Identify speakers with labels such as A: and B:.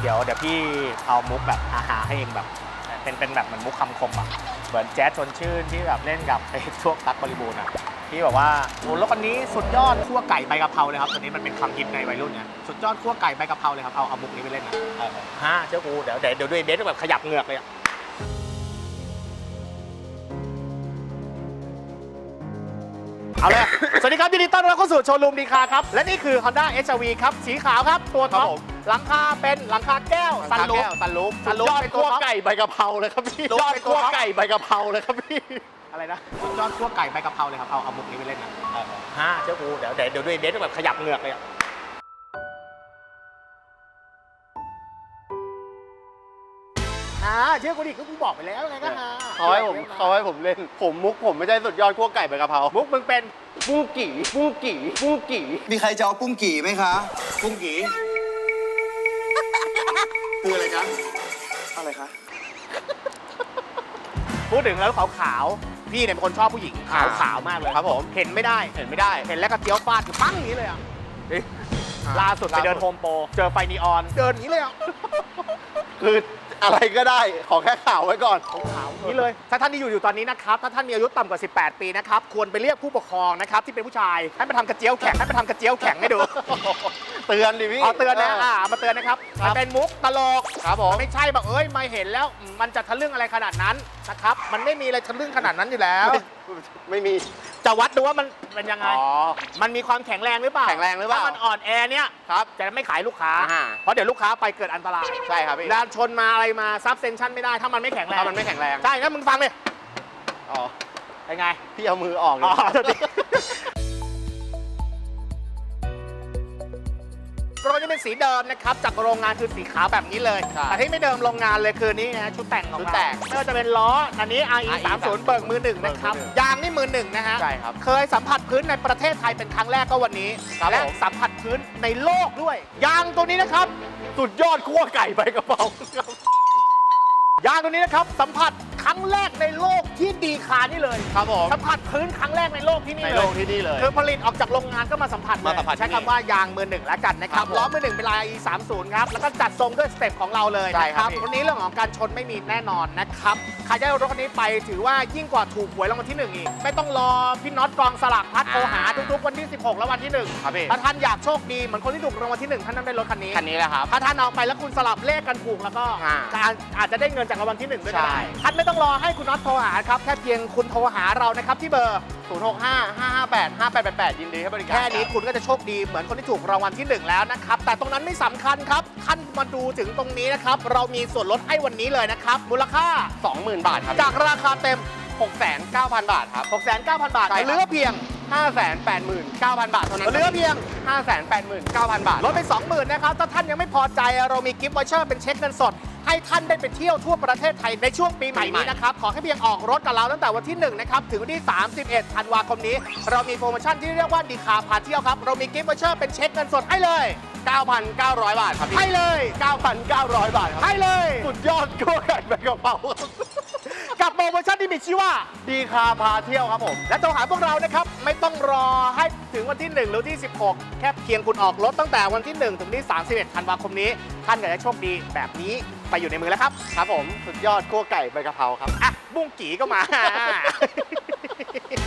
A: เดี๋ยวพี่เอามุกแบบฮาๆให้เองแบบเป็นแบบเหมือนมุกคำคมอ่ะเหมือนแจ๊สชวนชื่นที่แบบเล่นกับไอ้พวกตั๊กบริบูรณ์อ่ะที่แบบว่าโอ้รถคันนี้สุดยอดคั่วไก่ใบกะเพราเลยครับตอนนี้มันเป็นคำฮิตในวัยรุ่นไงสุดยอดคั่วไก่ใบกะเพราเลยครับเอามุกนี้ไปเล่นนะเจ้ากูเดี๋ยวด้วยเบสแบบขยับเหงือกเลยอ่ะเอาเลย สวัสดีครับยินดีต้อนรับเข้าสู่โชว์รูมดีคาครับและนี่คือ Honda HR-V ครับสีขาวครับตัวท็อปหลังคาเป็นหลังคาแก้วซันรูฟ
B: ยอดคั่วไก่ใบกะเพราเลยครับพี่ยอดคั่วไก่ใบกะเพราเลยครับพี่
A: อะไรนะสุดยอดคั่วไก่ใบกะเพราเลยครับเอามุกนี้ไปเล่นนะเจ้ากูเดี๋ยวด้วยเบสแบบขยับเหงือกเลยอ่ะเชื่อกูดิกูบอกไปแล้วไงก็
B: เขาให้ผมเล่นมุกผมไม่ใช่สุดยอดคั่วไก่ใบกะเพรา
A: มุกมึงเป็น
B: ปุ้งกี่
C: มีใครจะเอาปุ้งกี่ไหมคะปุ้งกี่คืออะไรคะอะไรคะ
A: พูดถึงแล้วขาวๆพี่เนี่ยเป็นคนชอบผู้หญิงขาวมากเลย
B: ครับผม
A: เห็นไม่ได้เห็นแล้วก็เตี้ยวฟาดปั้งอย่างนี้เลยอ่ะล่าสุดไปเดินโฮมโปรเจอไฟนีออนเดินอย่างนี้เลยอ่ะ
B: คืออะไรก็ได้ขอแค่ข่าวไว้ก่อน
A: ขาวนี้เลยถ้าท่านที่อยู่ตอนนี้นะครับถ้าท่านมีอายุต่ำกว่า18 ปีนะครับควรไปเรียกผู้ปกครองนะครับที่เป็นผู้ชายให้มาทำกระเจียวแข็งให้ดู
B: เตือนดิพี่
A: เตือนนะมาเตือนนะครับมันเป็นมุกตลก
B: ครับผม
A: ไม่ใช่แบบมาเห็นแล้วมันจะทะลึ่งอะไรขนาดนั้นนะครับมันไม่มีอะไรทะลึ่งขนาดนั้นอยู่แล้ว
B: ไม่มี
A: จะวัดดูว่ามันเป็นยังไงมันมีความแข็งแรงหรือเปล่าถ้ามันอ่อนแอเนี่ย
B: ครับ
A: จะไม่ขายลูกค้าเพราะเดี๋ยวลูกค้าไปเกิดอันตราย
B: ใช่ครับพี่
A: ด้านชนมาอะไรมาซับเซนชั่นไม่ได้ถ้ามันไม่แข็งแรงใช่งั้นมึงฟังเลยเป็นไง
B: พี่เอามือออก
A: รถจะเป็นสีเดิมนะครับจากโรงงานคือสีขาวแบบนี้เลยแต่ที่ไม่เดิมโรงงานเลยคือนี่นะชุดแต่งของเราไม่ว่าจะเป็นล้ออันนี้ RE30 เบิกมือหนึ่งนะครับยางนี่มือหนึ่งนะฮะ
B: ใช่ครับ
A: เคยสัมผัสพื้นในประเทศไทยเป็นครั้งแรกก็วันนี้และสัมผัสพื้นในโลกด้วยยางตัวนี้นะครับ
B: สุดยอดคั่วไก่ใบกะเพราย
A: างตัวนี้นะครับสัมผัสครั้งแรกในโลกที่ดีคานี่เลย
B: ครับผม
A: สัมผัสพื้นครั้งแรกในโลกที่นี่เลยคือผลิตออกจากโรงงานก็มาสัมผัสใช้คำว่ายางมือหนึ่งแล้วกันนะครับล้อมือหนึ่งเป็นลาย E30 ครับแล้วก็จัดทรงด้วยสเต็ปของเราเลยนะครับวันนี้เรื่องของการชนไม่มีแน่นอนนะครับใครได้รถคันนี้ไปถือว่ายิ่งกว่าถูกหวยรางวัลที่1อีกไม่ต้องรอพี่น็อตกองสลากพัดโทรหาทุกๆวันที่16และวันที่1ถ้าท่านอยากโชคดีเหมือนคนที่ถูกรางวัลที่1ท่านนั้นได้รถคันนี้
B: แหละครับ
A: ถ้าท่านเอาไปแล้วคุณสลับเลขกันถูกแล้วก็อาจจะได้เงินจากรางวัลที่1ด้วยก็ได้ท่านไม่ต้องรอให้คุณน็อตโทรหาครับแค่เพียงคุณโทรหาเรานะครับที่เบอร์
B: 0655585888ยินดีให้บริการ
A: แค่นี้คุณก็จะโชคดีเหมือนคนที่ถูกรางวัลที่1แล้วนะครับแต่ตรงนั้นไม่สำคัญครับท่านมาดูถึงตรงนี้นะครับเรามีส่วนลดให้วันนี้เลยนะครับมูลค่า
B: 20,000 บาทครับ
A: จากราคาเต็ม
B: 690,000 บาทครับ
A: 690,000 บาทเหลือเพียง
B: 589,000 บาทเท่านั้น
A: เหลือเพียง
B: 589,000 บาท
A: ลดไป 20,000 นะครับถ้าท่านยังไม่พอใจเรามีกิฟต์วอเชอร์เป็นเช็คเงินสดให้ท่านได้ไปเที่ยวทั่วประเทศไทยในช่วงปีใหม่นี้นะครับขอแค่เพียงออกรถกับเราตั้งแต่วันที่1นะครับถึงวันที่31ธันวาคมนี้เรามีโปรโมชั่นที่เรียกว่าดีคาพาเที่ยวครับเรามีกิฟต์วอเชอร์เป็นเช็คเงินสดให้เลย
B: 9,900 บาทครับพี่
A: ให้เลย
B: 9,900 บาทครับ
A: ให้เลย
B: สุดยอดคั่วไก่ใบกะเพรา
A: กับโปรโมชั่นที่มีชื่อว่า
B: ดีคาพาเที่ยวครับผม
A: และโทรหาพวกเรานะครับไม่ต้องรอให้ถึงวันที่1หรือที่16แค่เพียงคุณออกรถตั้งแต่วันที่1ถึงที่31ธันวาคมนี้ท่านก็จะโชคดีแบบนี้ไปอยู่ในมือแล้วครับ
B: ครับผมสุดยอดคั่วไก่ใบกะเพราครับ
A: บุ้งกี่ก็มา